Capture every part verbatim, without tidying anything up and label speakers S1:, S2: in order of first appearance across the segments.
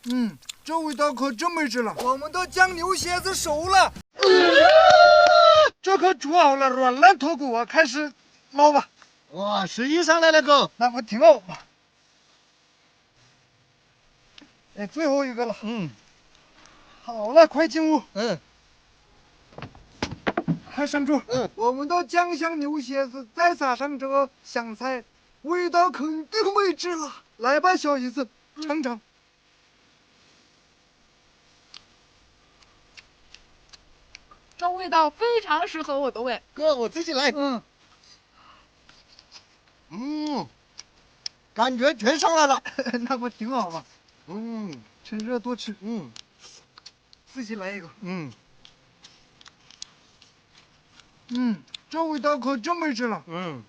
S1: 嗯，这味道可真没治了。我们的酱牛蝎子熟了，这可煮好了，软烂脱骨啊！开始捞吧。
S2: 哇，十一上来了哥，
S1: 那我挺好吧。哎，最后一个了。
S2: 嗯，
S1: 好了，快进屋。
S2: 嗯，
S1: 快上桌。
S2: 嗯，
S1: 我们的酱香牛蝎子再撒上这个香菜，味道肯定没治了。来吧，小姨子，尝尝。
S3: 这味道非常适合我的胃。
S2: 哥我自己来。
S1: 嗯，
S2: 嗯，感觉全上来了。
S1: 那不挺好吗？
S2: 嗯，
S1: 趁热多吃。
S2: 嗯，
S1: 自己来一个。
S2: 嗯，
S1: 嗯，这味道可真没治了。
S2: 嗯，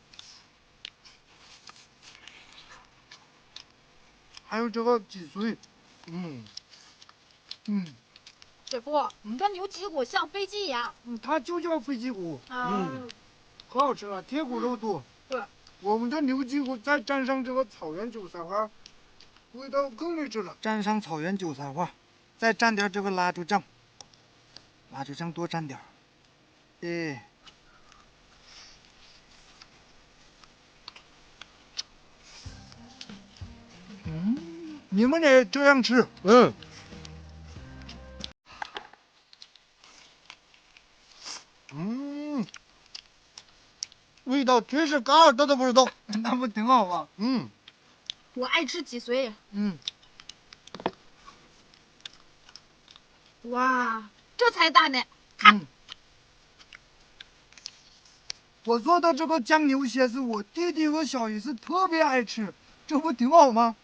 S1: 还有这个脊髓。
S2: 嗯，
S1: 嗯
S3: 师傅，这牛脊骨像飞机一样。
S1: 嗯，它就叫飞鸡骨，
S3: 啊，
S1: 可好吃了，贴骨肉多。
S3: 对，
S1: 我们的牛脊骨再蘸上这个草原韭菜花，味道更没治了。蘸上草原韭菜花，再蘸点这个辣椒酱，辣椒酱多蘸点儿。哎，嗯，你们也这样吃。
S2: 嗯，嗯，味道真是嘎耳朵都不是动。
S1: 那不挺好吗？
S2: 嗯，
S3: 我爱吃脊髓。
S1: 嗯，
S3: 哇，这才大呢。
S1: 嗯，我做的这个酱牛蝎子，我弟弟和小姨子特别爱吃，这不挺好吗？